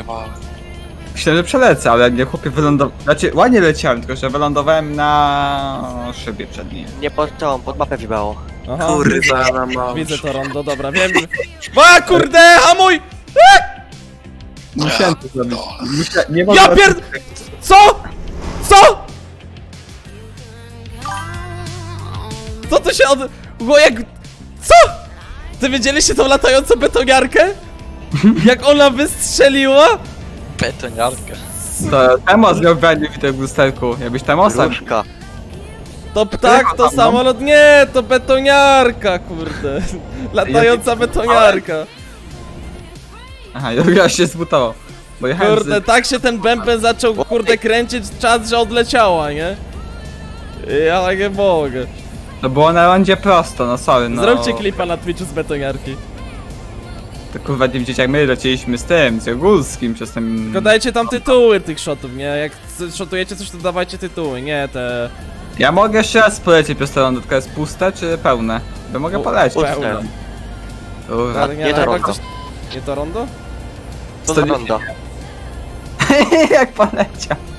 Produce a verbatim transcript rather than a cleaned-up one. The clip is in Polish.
wylądowałem. Myślałem, że przelecę, ale nie, chłopie, wylądowałem. Znaczy, ładnie leciałem, tylko że wylądowałem na szybie przedniej. Nie pod tą, pod mapę wibało. Aha, Kurwa, na mąż. widzę to rondo, dobra, wiem. A kurde, hamuj! Musiałem to zrobić. Musia... Nie Ja mogłem- pier... Co? Co? Co tu się od... Bo jak... Co? Ty widzieliście tą latającą betoniarkę? Jak ona wystrzeliła? Betoniarka. To Temos miał branie w tym lusterku. Jakbyś Temosa... Różka. To ptak, to tam, no? samolot... Nie, to betoniarka, kurde. Latająca betoniarka. Aha, ja się zbutował. Bo jechałem Kurde, z... tak się ten bęben zaczął, kurde, kręcić, czas, że odleciała, nie? Ja tak nie mogę. To było na rondzie prosto, no sorry, no. Zróbcie klipa na Twitchu z betoniarki. To kurwa nie widzieć jak my lecieliśmy z tym, z Jogulskim przez ten... Tylko dajcie tam tytuły tych shotów, nie? Jak c- shotujecie coś, to dawajcie tytuły, nie te... Ja mogę jeszcze raz polecieć przez to rondo, tylko jest puste czy pełne? Bo mogę U- polecieć. pełne. Kurwa. Ale nie no, to chyba rondo. ktoś- Nie to rondo? To Co za nie- rondo. Jak poleciał.